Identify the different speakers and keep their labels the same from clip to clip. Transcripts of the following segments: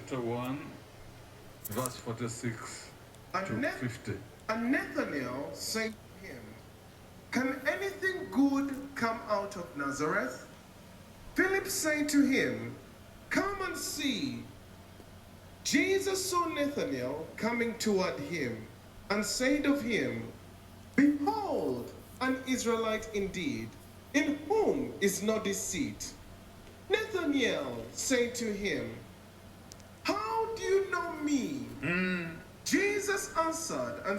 Speaker 1: chapter 1, verse 46 to 50.
Speaker 2: And Nathanael said to him, "Can anything good come out of Nazareth?" Philip said to him, "Come and see." Jesus saw Nathanael coming toward him and said of him, "Behold, an Israelite indeed, in whom is no deceit." Nathanael said to him, "How do you know me?" Jesus answered and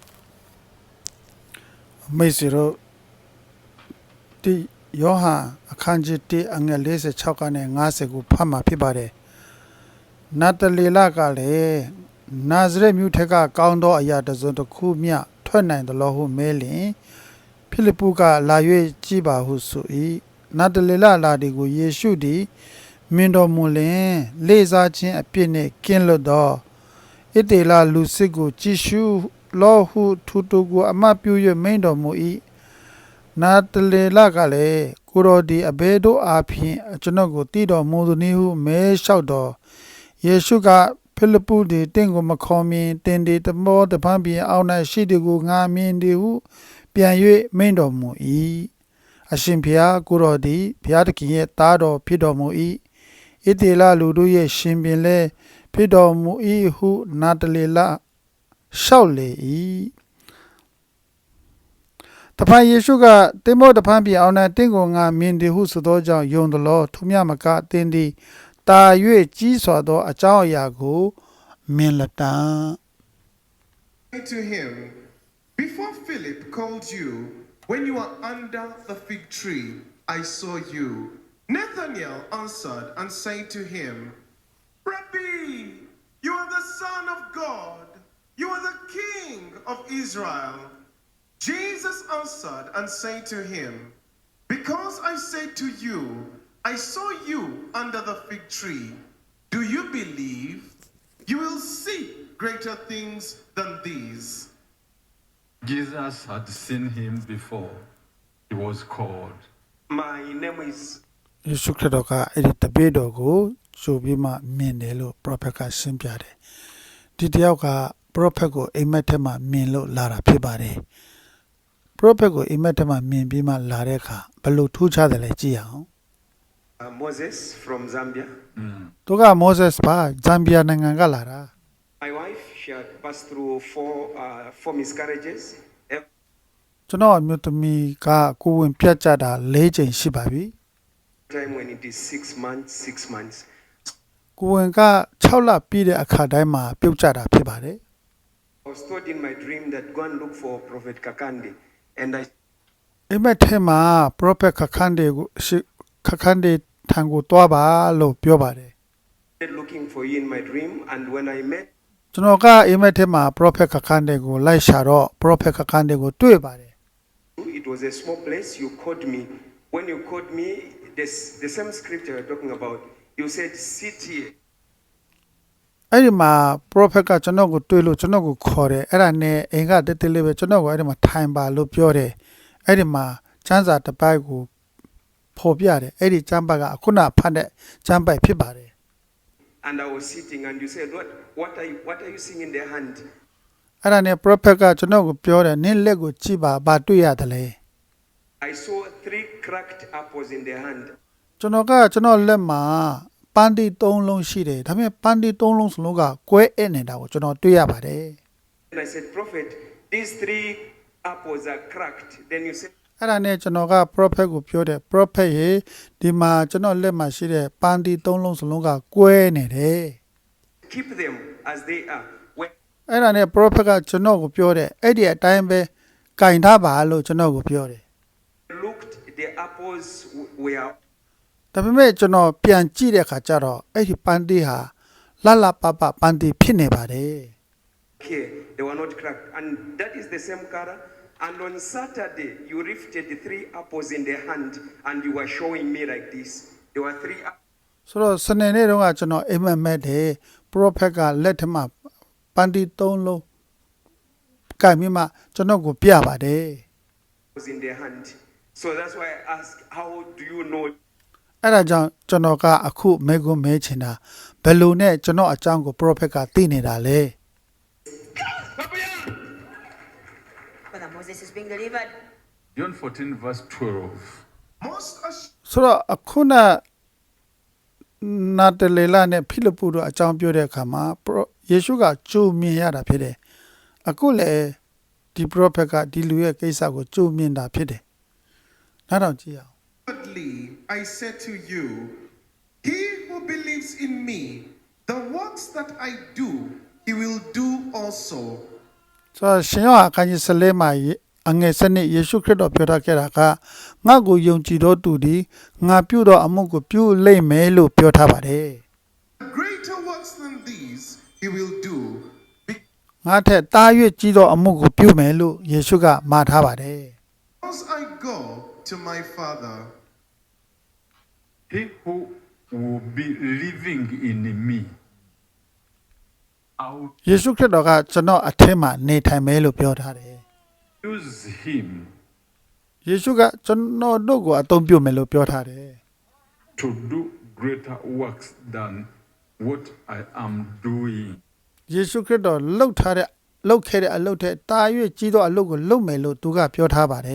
Speaker 3: မိတ်ဆွေတို့ဒီယောဟန်အခန်းကြီး1အငယ်46ကနေ50ကိုဖတ်မှာဖြစ်ပါတယ်နတလီလကလည်းနာဇရက်မြို့ထက်ကကောင်းသောအရာတစ်စုံတစ်ခုမျှထွက်နိုင်သလိုဟုမဲလင်ဖိလိပ္ပုကလာ၍ကြည်ပါဟုဆို၏နတလီလလာဒီကိုယေရှုသည်မင်းတော်မူလင်လေးစားခြင်းအပြစ်နှင့်ကင်းလွတ်သောဣတေလလူစစ်ကိုကြည်ရှုလောဟုထူတူကိုအမတ်ပြု၍မိန်တော်မူ၏နာတလေလကလည်းကိုရောဒီအဘဲတို့အားဖြင့်ကျွန်ုပ်ကိုတည်တော်မူသည်နည်းဟုမဲလျှောက်တော်ယေရှုကဖိလိပ္ပုသည်တင့်ကိုမခေါ်မြင်တင်ဒီတမောတပန်းပြင်အောက်၌ရှိသည်ကိုငါမြင်သည်ဟုပြန်၍မိန်တော်မူ၏အရှင်ဘုရားကိုရောဒီဘုရားသခင်ရဲ့သားတော်ဖြစ်တော်မူ၏ဣတေလလူတို့ရဲ့ရှင်ပင်လည်းဖြစ်တော်မူ၏ဟုနာတလေလလျှောက်လေ၏တဖန်ယေရှုကတင်မောတဖန်ပြအောင်၌တင့်ကိုငါမြင်သည်ဟုဆိုသောကြောင့်ယုံသလောထိုမြမကတင်သည်တာ၍ကြီးစွာသောအကြောင်းအရာကိုမြင်လတံ
Speaker 2: to him, "Before Philip called you, when you were under the fig tree, I saw you." Nathanael answered and said to him, "Rabbi, you are the Son of God. You are the King of Israel." Jesus answered and said to him, "Because I said to you, I saw you under the fig tree, do you believe? You will see greater things than these."
Speaker 1: Jesus had seen him before he was called.
Speaker 4: My name is
Speaker 3: ယေရှုခရစ်တော်ကအဲ့ဒီတပည့်တော်ကိုကြိုပြီးမှမြင်တယ်လို့ပရောဖက်ကရှင်းပြတယ်ဒီတယောက်ကပရောဖက်ကိုအိမ်မက်ထဲမှာမြင်လို့လာတာဖြစ်ပါတယ်ပရောဖက်ကိုအိမ်မက်ထဲမှာမြင်ပြီးမှလာတဲ့အခါဘယ်လိုထူးခြားတယ်လဲကြည့်အောင်
Speaker 4: Moses from Zambia.
Speaker 3: သူကမောဆက်စ်ပါဇမ်ဘီယာနိုင်ငံကလာတာ
Speaker 4: My wife, she had passed through four miscarriages. Every
Speaker 3: ကျွန်တော်အမျိုးသမီးကကိုယ်ဝင်ပြတ်ကြတာ၄ချိန်ရှိပါပြီ
Speaker 4: time when it is 6 months.
Speaker 3: ကိုယ်ဝင်က6လပြည့်တဲ့အခါတိုင်းမှာပြုတ်ကြတာဖြစ်ပါတယ်
Speaker 4: I was told in my dream that go and look for Prophet Kakande. And I
Speaker 3: အိမ်မက်ထဲမှာပရောဖက်ခခန်းဒေကိုခခန်းဒေထံကိုတွားပါလို့ပြောပါတယ်
Speaker 4: started looking for you in my dream. And when I met
Speaker 3: ကျွန်တော်ကအိမ်မက်ထဲမှာပရောဖက်ခခန်းဒေကိုလိုက်ရှာတော့ပရောဖက်ခခန်းဒေကိုတွေ့ပါတယ်
Speaker 4: you, it was a small place. You called me. When you called me, the same scripture you're talking about, you said, sit here.
Speaker 3: အဲ့ဒီမှာပရောဖက်ကကျွန်တော်ကိုတွေ့လို့ကျွန်တော်ကိုခေါ်တယ်အဲ့ဒါနဲ့အိမ်ကတက်တက်လေးပဲကျွန်တော်ကိုအဲ့ဒီမှာထိုင်ပါလို့ပြောတယ်အဲ့ဒီမှာကျမ်းစာတစ်ပိုက်ကိုဖော်ပြတယ်အဲ့ဒီကျမ်းပိုက်ကခုနဖတ်တဲ့ကျမ်းပိုက်ဖြစ်ပါတယ်
Speaker 4: And I was sitting, and you said, what are you seeing in their hand?
Speaker 3: အဲ့ဒါနဲ့ပရောဖက်ကကျွန်တော်ကိုပြောတယ်နင်းလက်ကိုကြည့်ပါဘာတွေ့ရတယ်လဲ
Speaker 4: I saw 3 cracked apples in their hand.
Speaker 3: ကျွန်တော်လက်မှာပန်းတီ3လုံးရှိတယ်ဒါပေမဲ့ပန်းတီ3လုံးစလုံးကကွဲအနေတာကိုကျွန်တော်တွေ့ရပါတယ်
Speaker 4: And I said, Prophet, these 3 apples are cracked. Then you said,
Speaker 3: အဲ့ဒါနဲ့ကျွန်တော်က prophet ကိုပြောတယ် prophet ရေဒီမှာကျွန်တော်လက်မှာရှိတဲ့ပန်းတီ3လုံးစလုံးကကွဲနေတယ်
Speaker 4: keep them as they are. When
Speaker 3: အဲ့ဒါနဲ့ prophet ကကျွန်တော်ကိုပြောတယ်အဲ့ဒီအတိုင်းပဲကင်ထားပါလို့ကျွန်တော်ကိုပြောတယ်
Speaker 4: I looked, the apples were
Speaker 3: ဒါပေမဲ့ကျွန်တော်ပြန်ကြည့်တဲ့အခါကျတော့အဲ့ဒီပန်းတီဟာလပပန်းတီဖြစ်နေပါတယ်
Speaker 4: here. They were not cracked. And that is the same color. And on Saturday, you lifted the 3 apples in the hand, and you were showing me like this. There were 3 apples.
Speaker 3: ဆိုတော့စနေနေ့တုန်းကကျွန်တော်အိမ်မက်မဲ့တယ် prophet ကလက်ထမှာပန်းတီ3လုံးကင်ပြီးမှကျွန်တော်ကိုပြပါတယ်
Speaker 4: In their hand. So that's why I asked, how do you know?
Speaker 3: အဲ့ဒါကြောင့်ကျွန်တော်ကအခုမေကွန်းမဲချင်တာဘယ်လိုနဲ့ကျွန်တော်အကြောင်းကို prophet ကသိနေတာလဲ
Speaker 5: Brother Moses is being delivered.
Speaker 1: John 14, verse 12.
Speaker 2: Most assuredly,
Speaker 3: ဆိုတော့အခုနနာတလေလာနဲ့ဖိလိပ္ပုတို့အကြောင်းပြောတဲ့အခါမှာယေရှုကကြိုမြင်ရတာဖြစ်တယ်အခုလည်းဒီ prophet ကဒီလူရဲ့ကိစ္စကိုကြိုမြင်တာဖြစ်တယ်နောက်တော့ကြည့်အောင်
Speaker 2: I said to you, he who believes in me, the works that I do, he will do also.
Speaker 3: ဆိုတော့ရှင်ယောဟန်အခန်းကြီး14မှာအငယ်7နှစ်ယေရှုခရစ်တော်ပြောထားခဲ့တာကငါ့ကိုယုံကြည်သောသူသည်ငါပြုသောအမှုကိုပြုလိမ့်မယ်လို့ပြောထားပါတယ်
Speaker 2: Greater works than these he will do,
Speaker 3: ငါထက်တား၍ကြီးသောအမှုကိုပြုမယ်လို့ယေရှုကမှာထားပါတယ်
Speaker 2: because I go to my Father.
Speaker 1: He who will be living in me, I will
Speaker 3: ယေရှုခရစ်တော်ကကျွန်တော်အထက်မှာနေထိုင်မယ်လို့ပြောထားတယ်
Speaker 1: use him
Speaker 3: ယေရှုကကျွန်တော်တို့ကိုအသုံးပြုမယ်လို့ပြောထားတယ်
Speaker 1: to do greater works than what I am doing.
Speaker 3: ယေရှုခရစ်တော်လှုပ်ထားတဲ့လှုပ်ခဲ့တဲ့အလုပ်ထက်တာ၍ကြီးသောအလုပ်ကိုလုပ်မယ်လို့သူကပြောထားပါတယ်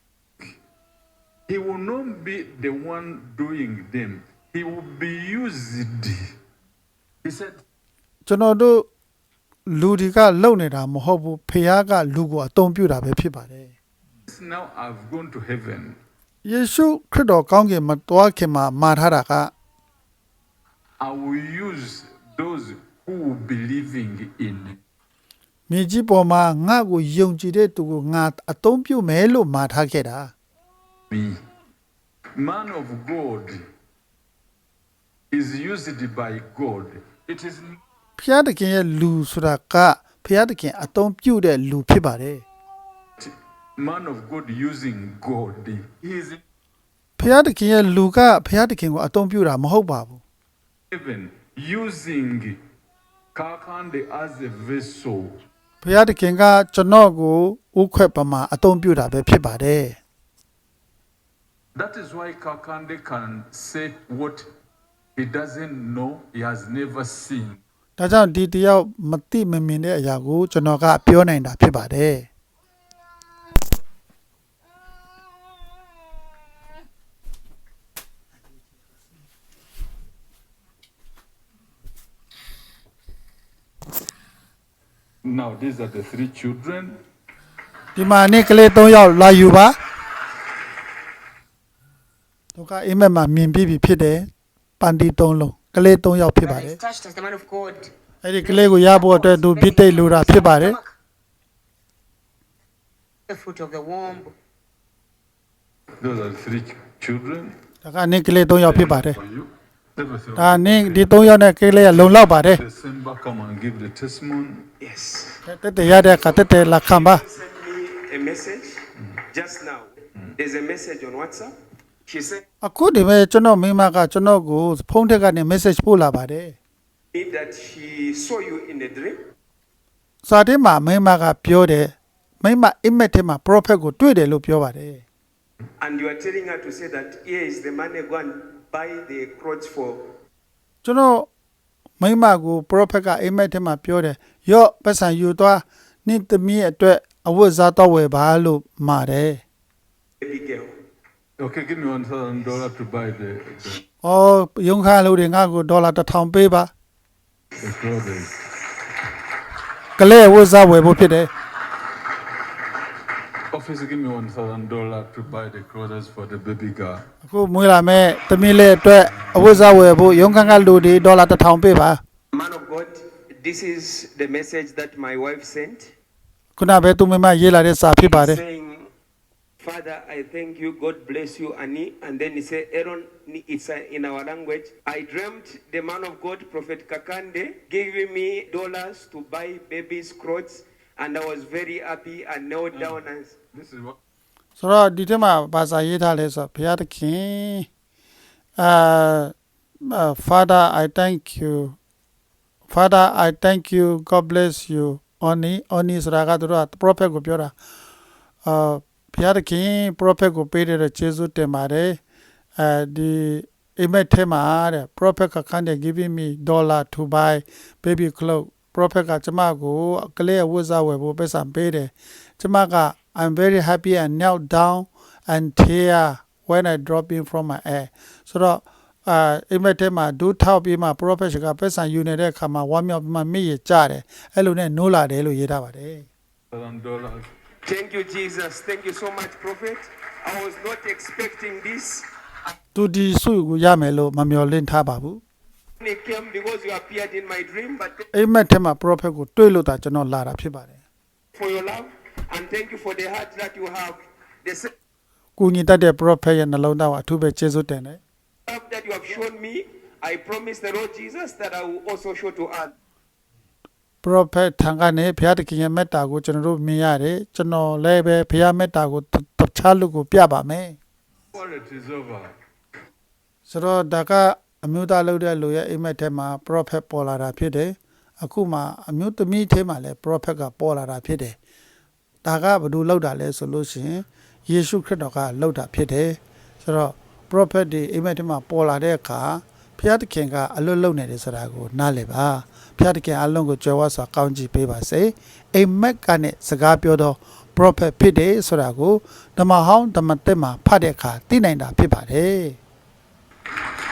Speaker 1: He will not be the one doing them. He will be used. He said,
Speaker 3: ကျွန်တော်တို့လူတွေကလုပ်နေတာမဟုတ်ဘူးဖခင်ကလူကိုအသုံးပြုတာပဲဖြစ်ပါတယ်
Speaker 1: now I've gone to heaven.
Speaker 3: ယေရှုခရစ်တော်ကောင်းကင်မှာတွားခင်မှာမှာထားတာက
Speaker 1: I will use those who will be living in
Speaker 3: မြေကြီးပေါ်မှာငါ့ကိုယုံကြည်တဲ့သူကိုငါအသုံးပြုမယ်လို့မှာထားခဲ့တာ
Speaker 1: me. Man of God is used by God. It is
Speaker 3: ဖခင်တခင်ရဲ့လူဆိုတာကဖခင်တခင်အသုံးပြုတဲ့လူဖြစ်ပါတယ်
Speaker 1: man of God using God. He is in
Speaker 3: ဖခင်တခင်ရဲ့လူကဖခင်တခင်ကိုအသုံးပြုတာမဟုတ်ပါဘူး
Speaker 1: heaven using Kakande as a vessel.
Speaker 3: ဖခင်တခင်ကကျွန်တော်ကိုဥခွက်ပမာအသုံးပြုတာပဲဖြစ်ပါတယ်
Speaker 1: That is why Kakande can say what he doesn't know, he has never seen.
Speaker 3: ဒါကြောင့်ဒီတယောက်မသိမမြင်တဲ့အရာကိုကျွန်တော်ကပြောနိုင်တာဖြစ်ပါတယ်
Speaker 1: Now, these are the three children.
Speaker 3: ဒီမှာနေ့ကလေး3ယောက်လာယူပါသူကအိမ်မက်မှာမြင်ပြီးပြီဖြစ်တယ်ပန်တီ3လုံးကလေး3ယောက်ဖြစ်ပါတ
Speaker 5: Brother
Speaker 3: ယ်
Speaker 5: is touched as the man of God.
Speaker 3: အဲ့ဒီကလေးကိုရဖို့အတွက်သူပြစ်တိတ်လိုတာဖြစ်ပါတယ်
Speaker 5: The fruit of the womb.
Speaker 1: Those are the three children
Speaker 3: ဒါကနေ့ကလေး3ယောက်ဖြစ်ပါတယ်
Speaker 1: for you. Everything.
Speaker 3: ဒါနေ့ဒီ3ယောက်နဲ့ကလေးကလုံလောက်ပါတယ်
Speaker 1: December, come and give the testimony.
Speaker 4: Yes.
Speaker 3: တက်တက်ရတဲ့ကတက်တက်လက်ခံပါ
Speaker 4: Sent me a message just now. There's a message on WhatsApp. She said
Speaker 3: အခုဒီမဲ့ကျွန်တော်မိမကကျွန်တော်ကိုဖုန်းထက်ကနေ message ပို့လာပါတယ်
Speaker 4: that she saw you in a dream.
Speaker 3: စာထဲမှာမိမကပြောတယ်မိမအိမ်မက်ထဲမှာ prophet ကိုတွေ့တယ်လို့ပြောပါတယ်
Speaker 4: And you are telling her to say that here is the money, go and buy the clothes for.
Speaker 3: ကျွန်တော်မိမကို prophet ကအိမ်မက်ထဲမှာပြောတယ်ရော့ပတ်စံယူသွားနင့်သမီးအတွက်အဝတ်စားတော့ဝယ်ပါလို့မှာတယ်
Speaker 4: Baby girl.
Speaker 1: Okay, give me $1,000 to buy the
Speaker 3: အော်ရုံခါလို့တွေငါ့ကိုဒေါ်လာ1000ပေးပါ
Speaker 1: clothes.
Speaker 3: ကလေးအဝတ်စားဝယ်ဖို့ဖြစ်တယ်
Speaker 1: Officer, give me $1,000 to buy the clothes for the baby girl.
Speaker 3: အခုမွေးလာမဲ့သမီးလေးအတွက်အဝတ်စားဝယ်ဖို့ရုံခါကလူတွေဒေါ်လာ1000ပေးပါ
Speaker 4: Man of God, this is the message that my wife sent.
Speaker 3: ခုနပဲသူမိမရေးလာတဲ့စာဖြစ်ပါတယ်
Speaker 4: Saying, Father, I thank you. God bless you, Annie. And then he said, Aaron, it's in our language. I dreamt the man of God, Prophet Kakande, giving me dollars to buy baby's clothes. And I was very happy and knelt down and
Speaker 1: This is what
Speaker 3: ဆိုတော့ဒီထဲမှာဘာသာရေးထားလဲဆိုတော့ဘုရားသခင်Father I thank you God bless you Oni ဆိုတာကသူတို့က prophet ကိုပြောတာဘုရားသခင် prophet ကိုပေးတဲ့ကျေးဇူးတင်ပါတယ်ဒီအိမ်မက်ထဲမှာတဲ့ prophet ကခန်းတဲ့ giving me dollar to buy baby clothes prophet ကကျမကိုကလေးဝတ်စားဝယ်ဖို့ပတ်စံပေးတယ်ကျမက I'm very happy and knelt down and tear when I drop in from my air ဆိုတော့အိမ်မက်ထဲမှာဒူးထောက်ပြီးမှ prophet ကပတ်စံယူနေတဲ့အခါမှာဝမ်းမြောက်ပြီးမှမိရကြတယ်အဲ့လိုနဲ့နိုးလာတယ်လို့ရေးထားပါတယ်
Speaker 1: $1,000.
Speaker 4: Thank you, Jesus. Thank you so much, Prophet. I was not expecting this.
Speaker 3: သူဒီစုကိုရမယ်လို့မမျှော်လင့်ထားပါဘူး
Speaker 4: It came because you appeared in my dream, but thank
Speaker 3: အိမ်မက်ထဲမှာ prophet ကိုတွေ့လို့တာကျွန်တော်လာတာဖြစ်ပါတယ်
Speaker 4: you for your love and thank you for the heart that you have. The same
Speaker 3: ကိုညီတတ်တဲ့ prophet ရဲ့နှလုံးသားကိုအထူးပဲကျေးဇူးတင်တယ်
Speaker 4: love that you have shown me, I promise the Lord Jesus that I will also show to others.
Speaker 3: prophet ထံကနေဘုရားသခင်ရဲ့မေတ္တာကိုကျွန်တော်တို့မြင်ရတယ်ကျွန်တော်လည်းပဲဘုရားမေတ္တာကိုတခြားလူကိုပြပါမယ်
Speaker 1: Well, it is over.
Speaker 3: ဆိုတော့ဒါကအမျိုးသားလုပ်တဲ့လူရဲ့အိမ်မက်ထဲမှာ prophet ပေါ်လာတာဖြစ်တယ်အခုမှအမျိုးသမီးထဲမှာလည်း prophet ကပေါ်လာတာဖြစ်တယ်ဒါကဘယ်လိုလုပ်တာလဲဆိုလို့ရှိရင်ယေရှုခရစ်တော်ကလုပ်တာဖြစ်တယ်ဆိုတော့ prophet ဒီအိမ်မက်ထဲမှာပေါ်လာတဲ့အခါဘုရားသခင်ကအလွတ်လုံနေတယ်ဆိုတာကိုနားလည်ပါဘုရားသခင်အလုံးကိုကြွယ်ဝစွာကောင်းချီးပေးပါစေအိမ်မက်ကနဲ့စကားပြောတော့ prophet ဖြစ်တယ်ဆိုတာကိုဓမ္မဟောင်းဓမ္မသစ်မှာဖတ်တဲ့အခါသိနိုင်တာဖြစ်ပါတယ်